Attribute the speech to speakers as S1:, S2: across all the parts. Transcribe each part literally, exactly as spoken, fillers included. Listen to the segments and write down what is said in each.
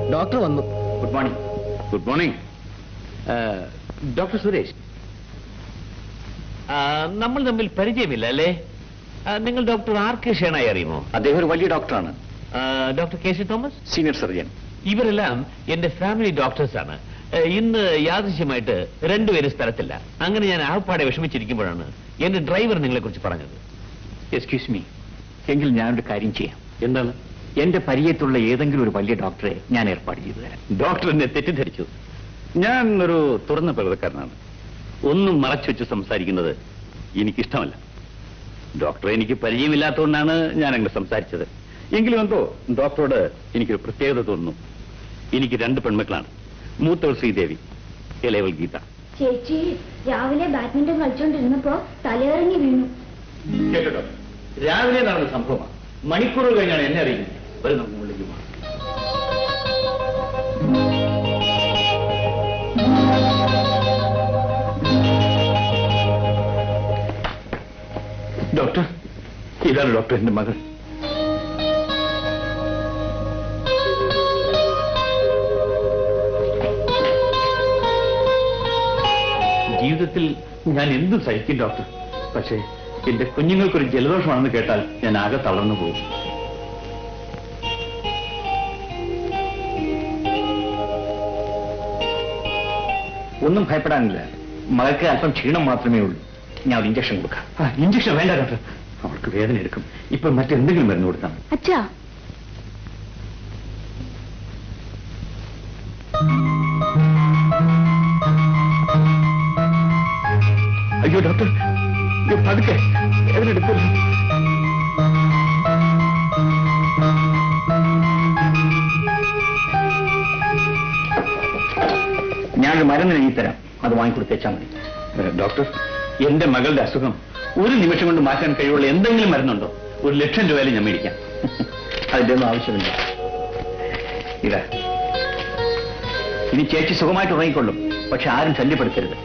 S1: Doctor വന്നു.
S2: Good morning. Good morning. Doctor Suresh,
S3: നമ്മൾ തമ്മിൽ പരിചയമില്ല അല്ലേ? നിങ്ങൾ ഡോക്ടർ ആർ കെ ഷേണായി അറിയുമോ?
S2: അദ്ദേഹം ഒരു വലിയ ഡോക്ടറാണ്.
S3: Doctor K C Thomas,
S2: senior surgeon.
S3: ഇവരെല്ലാം എന്റെ ഫാമിലി ഡോക്ടേഴ്സാണ്. ഇന്ന് യാദൃശ്യമായിട്ട് രണ്ടുപേരും സ്ഥലത്തില്ല. അങ്ങനെ ഞാൻ ആപ്പാടെ വിഷമിച്ചിരിക്കുമ്പോഴാണ് എന്റെ ഡ്രൈവർ നിങ്ങളെ കുറിച്ച് പറഞ്ഞത്.
S2: എക്സ്ക്യൂസ് മീ, എങ്കിൽ ഞാനൊരു കാര്യം ചെയ്യാം. എന്താണ്? എന്റെ പരിചയത്തുള്ള ഏതെങ്കിലും ഒരു വലിയ ഡോക്ടറെ ഞാൻ ഏർപ്പാട് ചെയ്തു തരാം.
S3: ഡോക്ടർ എന്നെ തെറ്റിദ്ധരിച്ചു. ഞാൻ ഒരു തുറന്ന പ്രകൃതക്കാരനാണ്. ഒന്നും മറച്ചു വെച്ച് സംസാരിക്കുന്നത് എനിക്കിഷ്ടമല്ല. ഡോക്ടറെ എനിക്ക് പരിചയമില്ലാത്തതുകൊണ്ടാണ് ഞാൻ അങ്ങനെ സംസാരിച്ചത്. എങ്കിലും എന്തോ ഡോക്ടറോട് എനിക്കൊരു പ്രത്യേകത തോന്നുന്നു. എനിക്ക് രണ്ട് പെൺമക്കളാണ്. മൂത്തവൾ ശ്രീദേവി, ഇളയവൾ ഗീത.
S4: ചേച്ചി രാവിലെ ബാഡ്മിന്റൺ കളിച്ചോണ്ടിരുന്നപ്പോ തലയിറങ്ങി വീണു.
S3: കേട്ടോ, രാവിലെ നടന്ന സംഭവമാണ്. മണിക്കൂറുകൾ കഴിഞ്ഞാണ് എന്നെ അറിയുന്നത്. വരും നമുക്ക് മുകളിലേക്ക് പോകാം. ഡോക്ടർ, ഇതാണ് ഡോക്ടർ, എന്റെ മകൾ. ജീവിതത്തിൽ ഞാൻ എന്തും സഹിക്കും ഡോക്ടർ. പക്ഷേ എന്റെ കുഞ്ഞുങ്ങൾക്കൊരു ജലദോഷമാണെന്ന് കേട്ടാൽ ഞാൻ ആകെ തളർന്നു പോകും.
S2: ഒന്നും ഭയപ്പെടാനില്ല. മകൾക്ക് അല്പം ക്ഷീണം മാത്രമേ ഉള്ളൂ. ഞാൻ ഒരു ഇഞ്ചക്ഷൻ കൊടുക്കാം.
S3: ഇഞ്ചക്ഷൻ വേണ്ട ഡോക്ടർ, അവൾക്ക് വേദന എടുക്കും. ഇപ്പൊ മറ്റെന്തെങ്കിലും മരുന്ന് കൊടുത്താൽ മതി.
S4: അച്ഛാ,
S3: അയ്യോ ഡോക്ടർ, പതുക്കെ, വേദന എടുക്കില്ല.
S2: ഞാനൊരു മരുന്ന് എഴുതി തരാം, അത് വാങ്ങിക്കൊടുത്തേച്ചാൽ മതി.
S3: ഡോക്ടർ, എന്റെ മകളുടെ അസുഖം ഒരു നിമിഷം കൊണ്ട് മാറ്റാൻ കഴിവുള്ള എന്തെങ്കിലും മരുന്നുണ്ടോ? ഒരു ലക്ഷം രൂപയിലും ഞാൻ മേടിക്കാം.
S2: അതിന്റെ ഒന്നും ആവശ്യമില്ല. ഇതാ, ഇനി ചേച്ചി സുഖമായിട്ട് ഉറങ്ങിക്കൊള്ളും. പക്ഷെ ആരും ശല്യപ്പെടുത്തരുത്.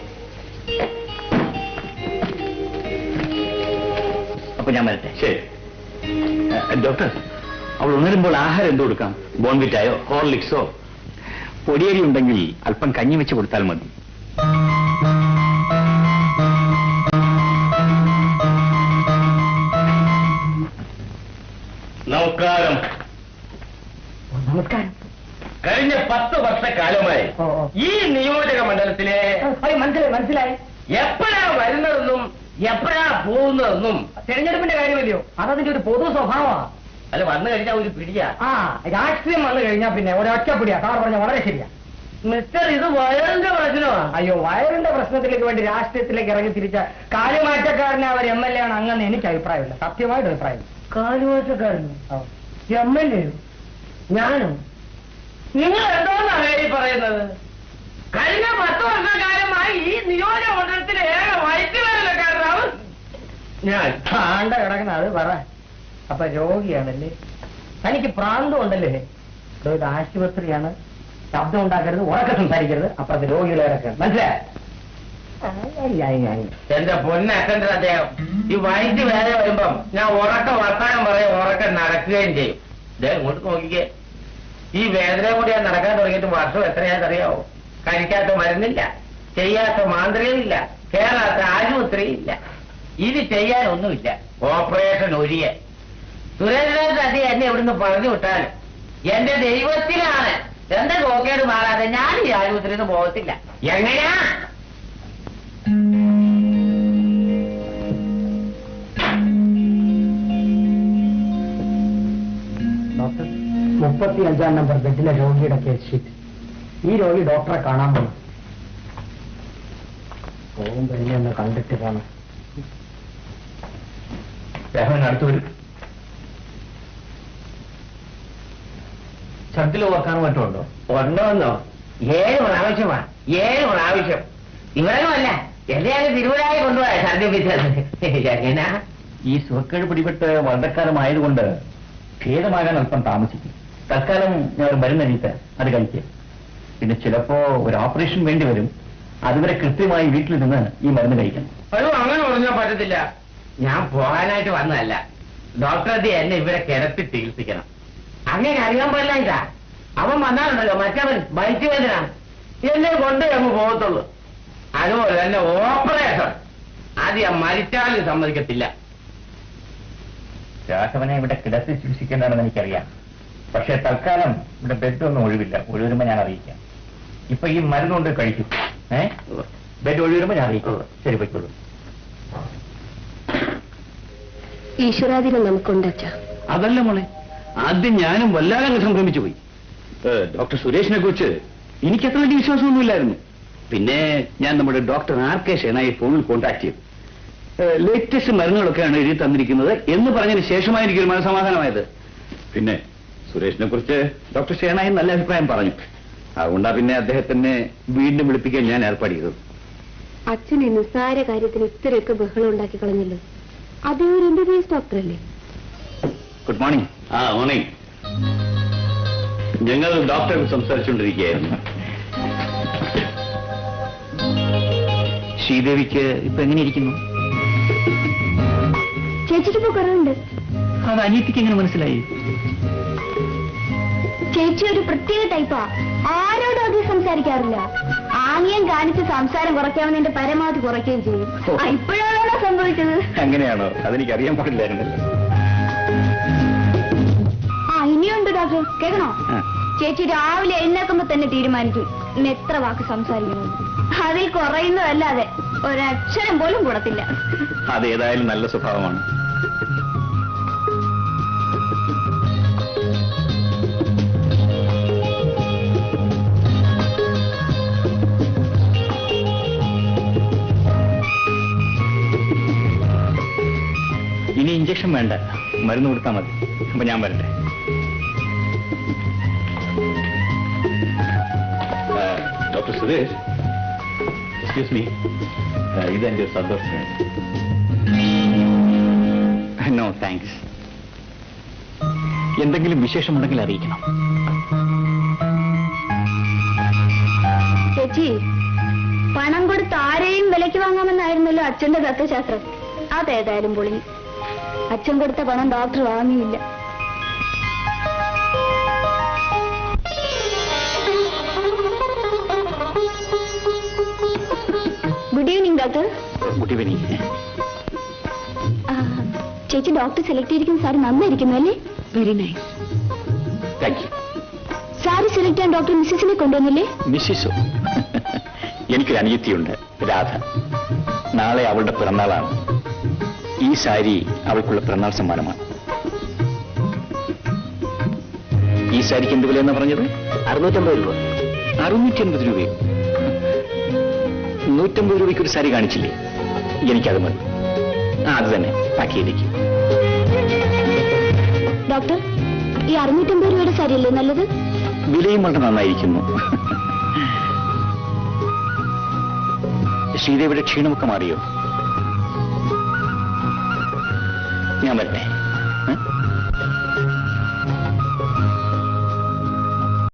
S2: അപ്പൊ ഞാൻ വരട്ടെ.
S3: ശരി. ഡോക്ടർ, അവൾ ഉണരുമ്പോൾ ആഹാരം എന്ത് കൊടുക്കാം? ബോൺവിറ്റായോ ഹോർലിക്സോ?
S2: പൊടിയരി ഉണ്ടെങ്കിൽ അല്പം കഞ്ഞി വെച്ച് കൊടുത്താൽ മതി.
S3: നമസ്കാരം.
S1: നമസ്കാരം.
S3: കഴിഞ്ഞ പത്ത് വർഷക്കാലമായി ഈ നിയോജക മണ്ഡലത്തിലെ
S1: മനസ്സിലായി മനസ്സിലായി
S3: എപ്പോഴാ വരുന്നതെന്നും എപ്പോഴാ പോകുന്നതെന്നും
S1: തെരഞ്ഞെടുപ്പിന്റെ കാര്യമല്ലയോ? അതതിന്റെ ഒരു പൊതു സ്വഭാവമാണ്.
S3: അത് വന്നു കഴിഞ്ഞാൽ ഒരു പിടിയാ.
S1: ആ, രാഷ്ട്രീയം വന്നു കഴിഞ്ഞാൽ പിന്നെ ഒരൊറ്റ പിടിയാ. സാർ പറഞ്ഞ വളരെ ശരിയാ.
S3: മിസ്റ്റർ, ഇത് വയറിന്റെ പ്രശ്നമാണ്.
S1: അയ്യോ, വയറിന്റെ പ്രശ്നത്തിലേക്ക് വേണ്ടി രാഷ്ട്രീയത്തിലേക്ക് ഇറങ്ങി തിരിച്ച കാര്യമാറ്റക്കാരനെ അവർ എം എൽ എ ആണ് അങ്ങനെ എനിക്ക് അഭിപ്രായമില്ല. സത്യമായിട്ട് അഭിപ്രായം.
S3: കാര്യമാറ്റക്കാരൻ എം എൽ എ? ഞാനും? നിങ്ങൾ എന്തോന്നാണ് ഈ പറയുന്നത്? കഴിഞ്ഞ പത്ത് വർഷക്കാലമായി ഈ നിയോജക മണ്ഡലത്തിലെ ഏക വൈദ്യുതകാരനാണ് ഞാൻ.
S1: ആണ്ട കിടക്കുന്ന അത് പറ. അപ്പൊ രോഗിയാണല്ലേ? തനിക്ക് പ്രാന്തം ഉണ്ടല്ലേ? ഇത് ആശുപത്രിയാണ്. ശബ്ദം ഉണ്ടാക്കരുത്, ഉറക്കെ സംസാരിക്കരുത്. അപ്പുറത്ത് രോഗികളെ ഇറക്കുക. മനസ്സിലായി?
S3: എന്റെ പൊന്നറ്റൻഡർ അദ്ദേഹം ഈ വൈദ്യ വേറെ വരുമ്പം ഞാൻ ഉറക്ക വർത്താനം പറയും, ഉറക്കം നടക്കുകയും ചെയ്യും. ഇദ്ദേഹം ഇങ്ങോട്ട് നോക്കിക്കേ. ഈ വേദന കൂടി ഞാൻ നടക്കാൻ തുടങ്ങിയിട്ട് വർഷം എത്രയാണെന്നറിയാവോ? കഴിക്കാത്ത മരുന്നില്ല, ചെയ്യാത്ത മാന്ത്രികമില്ല, കേറാത്ത ആശുപത്രിയില്ല. ഇത് ചെയ്യാനൊന്നുമില്ല. ഓപ്പറേഷൻ ഒഴിയ സുരേന്ദ്രനാഥ് അതി എന്നെ ഇവിടുന്ന് പറഞ്ഞു വിട്ടാലും എന്റെ ദൈവത്തിലാണ് എന്റെ നോക്കേട് മാറാതെ ഞാൻ ഈ ആശുപത്രിയിൽ നിന്ന് പോകത്തില്ല. എങ്ങനെയാ?
S1: ഡോക്ടർ, മുപ്പത്തി അഞ്ചാം നമ്പർ ബെഡിലെ രോഗിയുടെ കേസ് ഷീറ്റ്. ഈ രോഗി ഡോക്ടറെ കാണാൻ പോകും. പോകുമ്പോ എന്നെ ഒന്ന് കണ്ടിട്ട് പോണം.
S3: അടുത്ത് വരും. ഛർദിൽ ഓർക്കാനും മറ്റുണ്ടോ? ഉണ്ടോന്നോ? ഏഴ് പ്രാവശ്യമാ. ഏഴ് പ്രാവശ്യം. ഇവരൊന്നുമല്ല, എന്നെയാണ് തിരുവനായി കൊണ്ടുപോയ ഛർദിപ്പിച്ചത്. എങ്ങനാ?
S2: ഈ സുഖക്കേട് പിടിപെട്ട് വളരെക്കാലമായതുകൊണ്ട് ഭേദമാകാൻ അല്പം താമസിക്കും. തൽക്കാലം ഞാൻ ഒരു മരുന്ന് എഴുതി അത് കഴിക്കുക. പിന്നെ ചിലപ്പോ ഒരു ഓപ്പറേഷൻ വേണ്ടി വരും. അതുവരെ കൃത്യമായി വീട്ടിൽ നിന്ന് ഈ മരുന്ന് കഴിക്കണം.
S3: അയ്യോ, അങ്ങനെ പറഞ്ഞാൽ പറ്റത്തില്ല. ഞാൻ പോകാനായിട്ട് വന്നതല്ല. ഡോക്ടർ എന്നെ ഇവിടെ കിടത്തി ചികിത്സിക്കണം. അങ്ങനെ അറിയാൻ പാടില്ല. ഇതാ അവൻ വന്നാലുണ്ടല്ലോ മറ്റവൻ ബൈക്ക് വേദന എന്നെ കൊണ്ടേ അങ്ങ് പോകത്തുള്ളൂ. അതുപോലെ തന്നെ ഓപ്പറേഷൻ അത് ഞാൻ മരിച്ചാലും സമ്മതിക്കത്തില്ല.
S2: രാഘവനെ ഇവിടെ കിടത്തി ചികിത്സിക്കേണ്ടതാണെന്ന് എനിക്കറിയാം. പക്ഷെ തൽക്കാലം ഇവിടെ ബെഡൊന്നും ഒഴിവില്ല. ഒഴിവരുമ്പോ ഞാൻ അറിയിക്കാം. ഇപ്പൊ ഈ മരുന്നുകൊണ്ട് കഴിക്കും. ഏഹ് ബെഡ് ഒഴിവരുമ്പോ ഞാൻ അറിയിക്കും. ശരി, പോയിക്കോളൂ.
S5: ഈശ്വരാധീനം നമുക്കുണ്ട് അച്ഛാ.
S6: അതല്ല മോളെ, ആദ്യം ഞാനും വല്ലാതെ സംഭ്രമിച്ചു പോയി. ഡോക്ടർ സുരേഷിനെ കുറിച്ച് എനിക്ക് അത്ര വലിയ വിശ്വാസമൊന്നുമില്ലായിരുന്നു. പിന്നെ ഞാൻ നമ്മുടെ ഡോക്ടർ ആർ കെ ഷേനായി ഫോണിൽ കോൺടാക്ട് ചെയ്തു. ലേറ്റസ്റ്റ് മരുന്നുകളൊക്കെയാണ് എഴുതി തന്നിരിക്കുന്നത് എന്ന് പറഞ്ഞതിന് ശേഷമായി എനിക്കൊരു മനസമാധാനമായത്. പിന്നെ സുരേഷിനെ കുറിച്ച് ഡോക്ടർ ഷേനായി നല്ല അഭിപ്രായം പറഞ്ഞു. അതുകൊണ്ടാ പിന്നെ അദ്ദേഹത്തിനെ വീണ്ടും വിളിപ്പിക്കാൻ ഞാൻ ഏർപ്പാട് ചെയ്തത്.
S5: അച്ഛൻ ഈ നിസ്സാര കാര്യത്തിന് ഇത്രയൊക്കെ ബഹളം ഉണ്ടാക്കി കളഞ്ഞല്ലോ. അതേ ഒരു എം ബി ബി എസ് ഡോക്ടറല്ലേ?
S6: Good morning. ആ മോർണിംഗ്. ഞങ്ങൾ ഡോക്ടറെ സംസാരിച്ചുകൊണ്ടിരിക്കുകയായിരുന്നു.
S2: ശ്രീദേവിക്ക് ഇപ്പൊ എങ്ങനെയിരിക്കുന്നു?
S4: ചേച്ചിക്ക് ഇപ്പൊ കുറവുണ്ട്.
S2: അത് അനിയത്തിക്ക് എങ്ങനെ മനസ്സിലായി?
S4: ചേച്ചി ഒരു പ്രത്യേക ടൈപ്പാ. ആരോടും അധികം സംസാരിക്കാറില്ല. ആംഗ്യം കാണിച്ച് സംസാരം കുറയ്ക്കാമെന്ന് എന്റെ പരമാവധി കുറയ്ക്കുകയും ചെയ്യും. ഇപ്പോഴാണോ സംഭവിച്ചത്?
S6: അങ്ങനെയാണോ? അതെനിക്കറിയാൻ പാടില്ലായിരുന്നല്ലോ.
S4: ആ ഇനിയുണ്ട് ഡോക്ടർ, കേൾക്കണോ? ചേച്ചി രാവിലെ എഴുന്നേക്കുമ്പോ തന്നെ തീരുമാനിക്കും ഇന്ന് എത്ര വാക്ക് സംസാരിക്കണം. അതിൽ കുറയുന്നതല്ലാതെ ഒരക്ഷരം പോലും കൂടത്തില്ല.
S6: അതേതായാലും നല്ല സ്വഭാവമാണ്.
S2: ഇനി ഇഞ്ചക്ഷൻ വേണ്ട, മരുന്ന് കൊടുത്താൽ മതി. അപ്പൊ ഞാൻ വരട്ടെ.
S6: ഡോക്ടർ സുരേഷ്, എക്സ്ക്യൂസ് മീ, ഇതെന്റെ സന്തോഷം.
S2: No thanks. എന്തെങ്കിലും വിശേഷമുണ്ടെങ്കിൽ അറിയിക്കണം.
S4: ചേച്ചി, പണം കൊടുത്ത് ആരെയും വിലയ്ക്ക് വാങ്ങാമെന്നായിരുന്നല്ലോ അച്ഛന്റെ തത്വശാസ്ത്രം. അതേതായാലും പൊളി. അച്ഛൻ കൊടുത്ത പണം ഡോക്ടർ വാങ്ങിയില്ല. Good evening doctor.
S2: Good evening.
S4: ചേച്ചി ഡോക്ടർ സെലക്ട് ചെയ്തിരിക്കുന്ന സാരി നന്നായിരിക്കുന്നു അല്ലേ?
S5: Very nice.
S2: Thank you.
S4: Sari select ചെയ്യാൻ ഡോക്ടർ മിസ്സിസിനെ കൊണ്ടുവന്നില്ലേ?
S2: മിസ്സിസോ? എനിക്കൊരു അനിയത്തിയുണ്ട്, രാധ. നാളെ അവളുടെ പിറന്നാളാണ്. ഈ സാരി അവൾക്കുള്ള പിറന്നാൾ സമ്മാനമാണ്. ഈ സാരിക്ക് എന്ത് വിലയെന്നാ പറഞ്ഞത്?
S6: അറുന്നൂറ്റമ്പത് രൂപ.
S2: അറുന്നൂറ്റി അൻപത് രൂപയോ? നൂറ്റമ്പത് രൂപയ്ക്ക് ഒരു സാരി കാണിച്ചില്ലേ? എനിക്കത് മതി. ആ അത് തന്നെ പാക്ക് ചെയ്തേക്ക്.
S4: ഡോക്ടർ, ഈ അറുന്നൂറ്റമ്പത് രൂപയുടെ സാരിയല്ലേ നല്ലത്?
S2: വിലയും വളരെ നന്നായിരിക്കുന്നു. ശ്രീദേവിയുടെ ക്ഷീണമൊക്കെ മാറിയോ? ഞാൻ വരട്ടെ.